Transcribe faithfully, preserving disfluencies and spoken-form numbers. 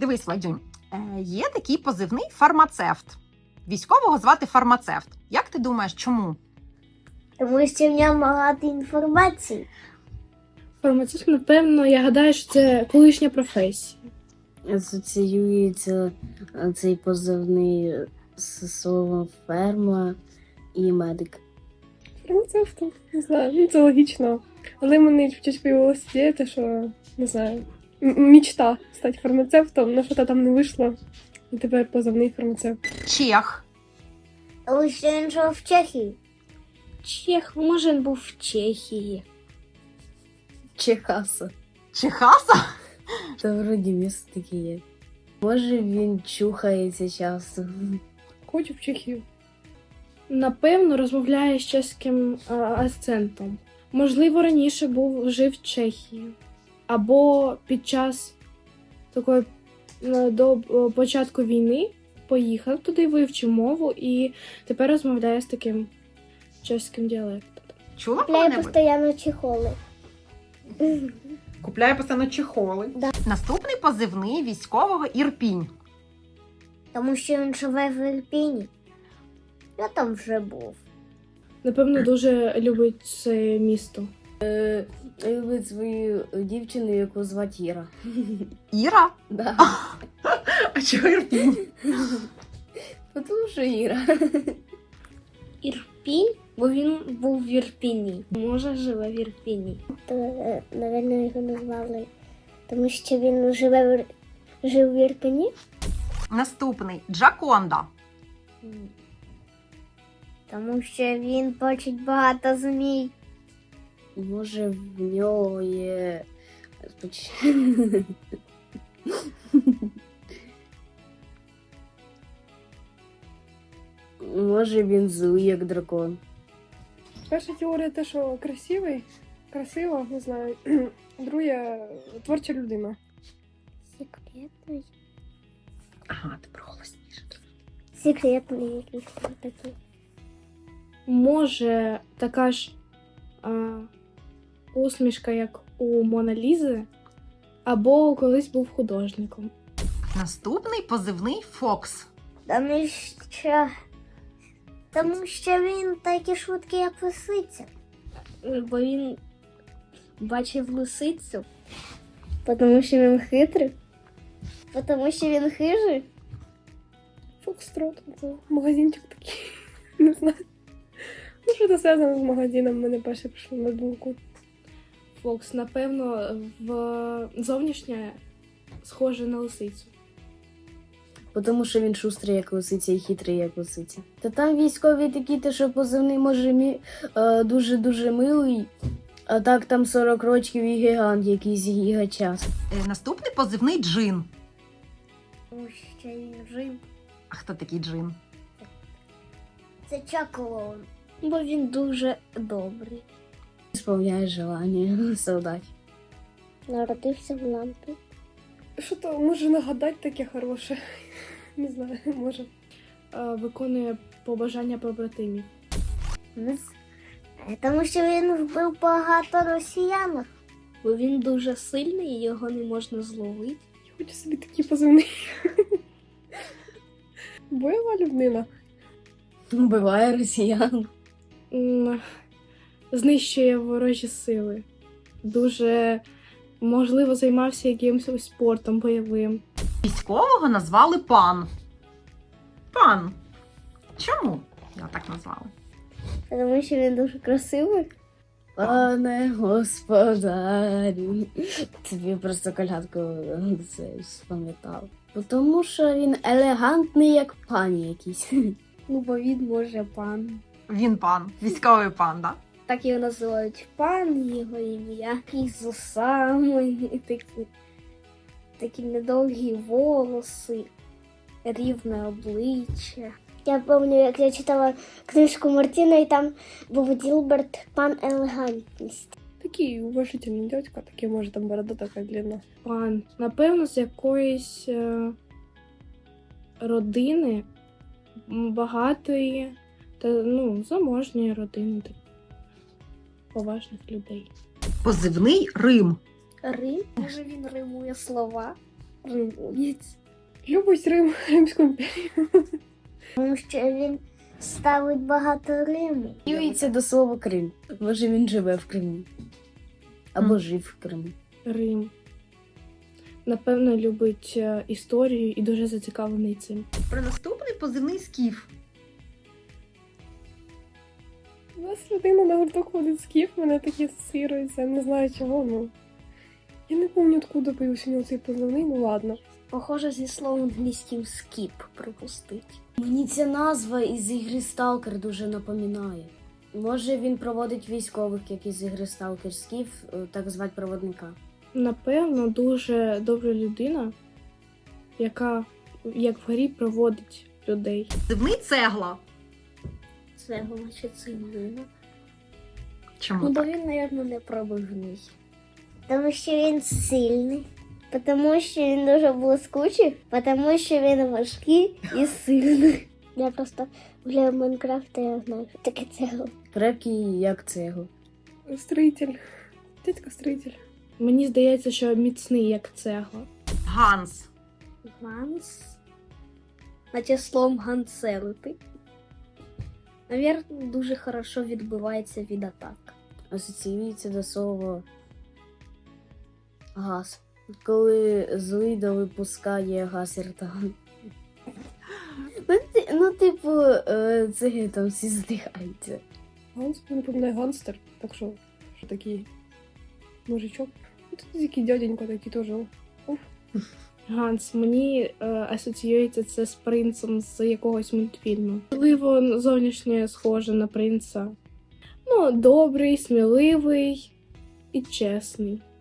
Дивись, Владюнь, е, є такий позивний фармацевт. Військового звати фармацевт. Як ти думаєш, чому? Тому що в ньому багато інформації. Фармацевт, напевно, я гадаю, що це колишня професія. Асоціюється цей позивний з словом ферма і медик. Фармацевт, не знаю, ну це логічно. Але мені щось появилася ідея, те, що, не знаю, м- мічта стати фармацевтом, але що-то там не вийшло. І тепер позивний фармацевт. Чех. Тому що він жив в Чехії. Чех, може, він був в Чехії. Чехаса. Чехаса? Та вроді місто таке є. Може, він чухається часто. Хочу в Чехію. Напевно, розмовляє з чеським а, акцентом. Можливо, раніше був жив в Чехії. Або під час такої е, до е, початку війни поїхав туди, вивчив мову і тепер розмовляє з таким чеським діалектом. Чула Купляє коли-небудь? постійно чехоли. Купляє постійно чехоли. Да. Наступний позивний військового Ірпінь. Тому що він живе в Ірпіні. Я там вже був. Напевно, дуже любить це місто. Любить свою дівчину, яку звати Іра. Іра? Да. А чого Ірпінь? Тому що Іра. Ірпінь? Бо він був в Ірпіні. Може, живе в Ірпіні. То, напевно, його назвали. Тому що він живе в, жив в Ірпіні. Наступний Джаконда. Тому що він бачить багато змій. Може, в нього є... Може, він злий, як дракон. Перша теорія те, що красивий, красиво, не знаю. Друга творча людина. Секретний. Ага, ти проголосніше. Секретний якийсь там такий. Може, така ж а, усмішка, як у Мона Лізи, або колись був художником. Наступний позивний Фокс. Тому що... Тому що він такий швидкий, як лисиця. Бо він бачив лисицю. Тому що він хитрий. Тому що він хижий. Фокстрот, це магазинчик такий. Не знаю. Ну, що це зв'язано з магазином, мене перше прийшло на думку. Фокс, напевно, в зовнішнє схоже на лисицю. Тому що він шустрий, як лисиця, і хитрий, як лисиця. Та там військові такі, те, що позивний може мі... е, дуже-дуже милий, а так там сорок років і гігант, якийсь гігачас. Е, Наступний позивний Джин. Тому що він жив. А хто такий Джин? Це Чаклон. Бо він дуже добрий. Сповняє желання солдатів. Народився в лампі. Що то може нагадати таке хороше? Не знаю, може. Е, Виконує побажання побратимів. Тому що він вбив багато росіян. Бо він дуже сильний і його не можна зловити. Я хочу собі такі позивний. Бойова людина. Вбиває росіян. М, Знищує ворожі сили. Дуже, можливо, займався якимось спортом бойовим. Військового назвали пан. Пан. Чому його так назвали? Тому що він дуже красивий. Пане господарю. Тобі просто колядку це спам'ятав. Тому що він елегантний, як пан якийсь. Ну, бо він може пан. Він пан. Військовий пан, да? Так його називають пан, його ім'я. І з усами, і такі, такі недовгі волоси, рівне обличчя. Я пам'ятаю, як я читала книжку Мартіна, і там був Ділберт пан елегантність. Такий уважительний дядька, такий, може, там борода така длинна. Пан, напевно, з якоїсь е, родини м, багатої та, ну, заможньої родини, так, поважних людей. Позивний Рим. Рим? Може він римує слова? Римовець. Любить Рим, Римську імперію. Тому що він ставить багато Риму. Юється до слова Крим. Може він живе в Криму. Або Мгм. жив в Криму. Рим. Напевно, любить е, історію і дуже зацікавлений цим. Про наступний позивний скіф. У нас людина на гурток ходить скіф, мене такі асоціюється, не знаю чого, ну. Я не пам'ятаю, откуда появився у нього цей позивний, ну ладно. Похоже, зі словом англійським скіп припустить. Мені ця назва із ігри Сталкер дуже напоминає. Може він проводить військових, як із ігри Сталкер Скіф, е, так звати проводника. Напевно, дуже добра людина, яка, як в грі, проводить людей. Позивний цегла. Це значить цеглина. Чому Ну, бо так? він, мабуть, не пробивний. Тому що він сильний. Тому що він дуже блискучий. Тому що він важкий і сильний. Я просто гуляю в Майнкрафт, я знаю, що таке цегла. Крепкий, як цегла. Строїтель. Дядько строїтель. Мені здається, що міцний, як цегла. Ганс. Ганс. Наче словом ганцелити. Навірно, дуже хорошо відбивається від атак. Асоціюється до слова газ. Коли злида випускає газ іртан. Ну, ти- ну, типу, е, це там всі здихаються. Ганс, не пам'ятаю, ганстер, так що, що такий мужичок. Ну, тут який дяденько такий теж. Ганс, мені е, асоціюється це з принцем з якогось мультфільму. Можливо, зовнішнє схоже на принца. Ну, добрий, сміливий і чесний.